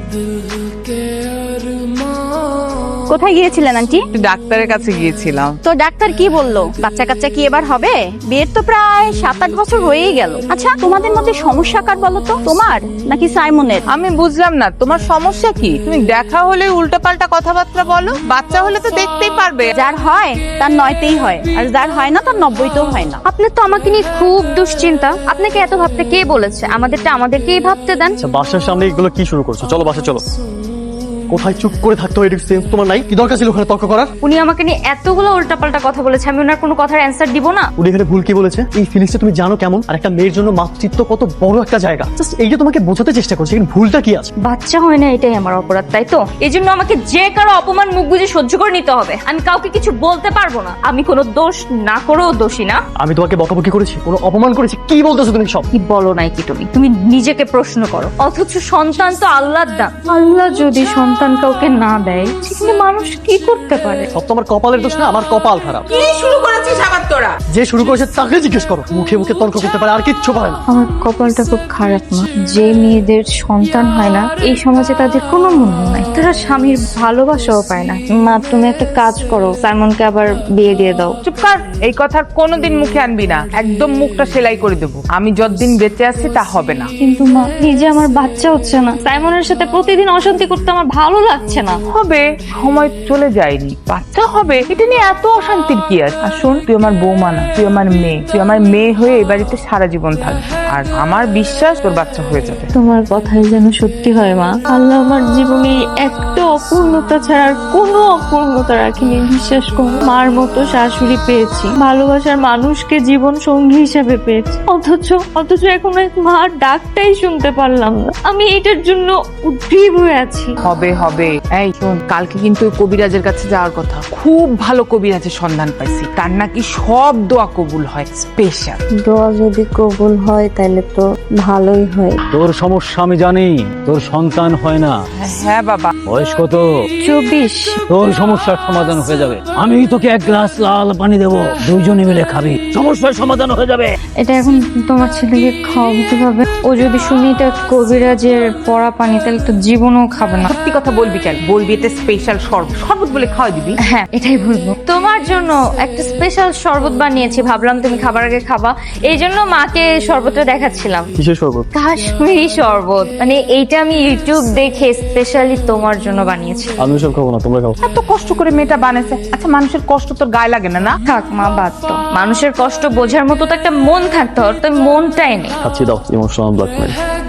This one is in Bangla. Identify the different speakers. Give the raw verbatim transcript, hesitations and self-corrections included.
Speaker 1: কোথায় গিয়েছিলেন আন্টি?
Speaker 2: ডাক্তারের কাছে গিয়েছিলাম।
Speaker 1: তো ডাক্তার কি বললো? বাচ্চা কাচ্চা কি এবার হবে? বিয়ের তো প্রায় সাত আট বছর হয়েই গেল। আচ্ছা, তোমাদের মধ্যে সমস্যা কার বলো তো, তোমার নাকি সাইমনের?
Speaker 2: আমি বুঝলাম না তোমার সমস্যা কি। তুমি দেখা হলে উল্টাপাল্টা কথাবার্তা বলো, বাচ্চা হলে তো দেখতেই পারবে।
Speaker 1: যার হয় তার নয়তেই হয়, আর যার হয় না তার নব্বইতেও হয় না।
Speaker 3: আপনার তো আমাকে নিয়ে খুব দুশ্চিন্তা। আপনাকে এত ভাবতে কে বলেছে? আমাদেরটা আমাদেরকেই ভাবতে দেন।
Speaker 4: আচ্ছা, বাসার সামনে এগুলো কি শুরু করছো? চলো বাসা চলো। কোথায় চুপ করে থাকতে হয় এটা সেন্স তোমার নাই? কি দরকার ছিল ওখানে তর্ক করার?
Speaker 3: উনি আমাকে নিয়ে এতগুলো উল্টাপাল্টা কথা বলেছে, আমি ওনার কোনো কথার অ্যান্সার দিব না?
Speaker 4: উনি এখানে ভুল কি বলেছে? এই ফিলিংসটা তুমি জানো কেমন? আর একটা মেয়ের জন্য মাতৃত্ব কত বড় একটা জায়গা। জাস্ট এইটা তোমাকে বোঝাতে চেষ্টা করছি, কিন্তু ভুলটা কি আছে?
Speaker 3: বাচ্চা হয় না এটাই আমার অপরাধ, তাই তো? এই জন্য আমাকে যে কারো অপমান মুখ বুজে সহ্য করে নিতে হবে। আমি কাউকে কিছু বলতে পারবো না। আমি কোনো দোষ না করেও দোষী না।
Speaker 4: আমি তোমাকে বকাবকি করেছি, কোনো অপমান করেছি? কি বলতেছো তুমি সব?
Speaker 3: কি বলো নাই কি তুমি? তুমি নিজেকে প্রশ্ন করো। অথচ সন্তান তো আল্লাহর দান। আল্লাহ যদি সন্তান কাউকে না দেয়, সেখানে মানুষ কি করতে পারে?
Speaker 4: সব তো আমার কপালের দোষ না, আমার কপাল খারাপ।
Speaker 2: কি শুরু করেছিস আবার তোরা?
Speaker 4: যে শুরু করেছে তাকে জিজ্ঞেস করো। মুখে মুখে তর্ক করতে পারে, আর কিচ্ছু পারে না।
Speaker 3: আমার কপালটা খুব খারাপ মা। যে মেয়েদের সন্তান হয় না, এই সমাজে তাদের কোনো মূল্য নাই। তারা স্বামীর ভালোবাসাও পায় না। মা, তুমি একটা কাজ করো, সাইমনকে আবার বিয়ে দিয়ে দাও।
Speaker 2: চুপ কর, এই কথার কোনোদিন মুখে আনবি না। একদম মুখটা সেলাই করে দেবো। আমি যতদিন বেঁচে আছি তা হবে না।
Speaker 3: কিন্তু মা, নিজে আমার বাচ্চা হচ্ছে না। সাইমনের সাথে প্রতিদিন অশান্তি করতে আমার ভালো লাগছে না।
Speaker 2: হবে, সময় চলে যায়নি, বাচ্চা হবে, এটা নিয়ে এত অশান্তির কি আছে? আর শোন, তুই আমার বৌমা না, তুই আমার মেয়ে। তুই আমার মেয়ে হয়ে এই বাড়িতে সারা জীবন থাকবি, আর আমার বিশ্বাস তোর বাচ্চা হয়ে যাবে।
Speaker 3: তোমার কথাই যেন সত্যি হয় মা। আল্লাহ আমার জীবনে একটা অপূর্ণতা ছাড়া আর কোনো অপূর্ণতা রাখিনি। বিশ্বাস করো, মার মতো শাশুড়ি পেয়েছি, ভালোবাসার মানুষকে জীবন সঙ্গী হিসেবে পেয়েছি। অথচ অথচ এখন এক মার ডাকটাই শুনতে পারলাম না। আমি এটার জন্য উদ্গ্রীব হয়ে আছি।
Speaker 2: হবে হবে। এই শোন, কালকে কিন্তু ওই কবিরাজের কাছে যাওয়ার কথা। খুব ভালো কবিরাজের সন্ধান পাইছি, তার নাকি সব দোয়া কবুল হয়। স্পেশাল
Speaker 3: দোয়া যদি কবুল হয় তাহলে তো ভালোই হয়।
Speaker 5: তোর সমস্যা আমি জানি, তোর সন্তান হয় না।
Speaker 2: হ্যাঁ বাবা।
Speaker 5: বয়স কত?
Speaker 3: চব্বিশ।
Speaker 5: তোর সমস্যার সমাধান হয়ে যাবে। আমি তোকে এক গ্লাস লাল পানি দেবো, দুইজনে মিলে খাবি, সমস্যার সমাধান হয়ে যাবে।
Speaker 3: এটা এখন তোমার ছেলেকে খাওয়াতে হবে। ও যদি শুনি এটা কবিরাজের পড়া পানি, তাহলে তো জীবনও খাবে না।
Speaker 2: সত্যি কথা বলবি কেন? বলবি এটা স্পেশাল শরবত। শরবত বলে খাওয়া দিবি?
Speaker 3: হ্যাঁ, এটাই বলবো। তোমার জন্য একটা স্পেশাল শরবত বানিয়েছি, ভাবলাম তুমি খাবার আগে খাবা, এই জন্য মাকে শরবতটা দেখাচ্ছিলাম।
Speaker 4: কিসের শরবত?
Speaker 3: কাশ্মীরি শরবত। মানে এইটা আমি ইউটিউব দেখে স্পেশালি তোমার জন্য বানিয়েছি।
Speaker 4: আমি সব খাবো না, তোমরা খাও।
Speaker 2: এত কষ্ট করে মেয়েটা বানাইছে। আচ্ছা, মানুষের কষ্ট তোর গায়ে লাগে না? না
Speaker 3: থাক মা, বাদ তো। মানুষের কষ্ট বোঝার মতো তো একটা মন থাকতে হবে, তো মনটাই নেই।
Speaker 4: খাচ্ছি, দাও। Emotional blackmail.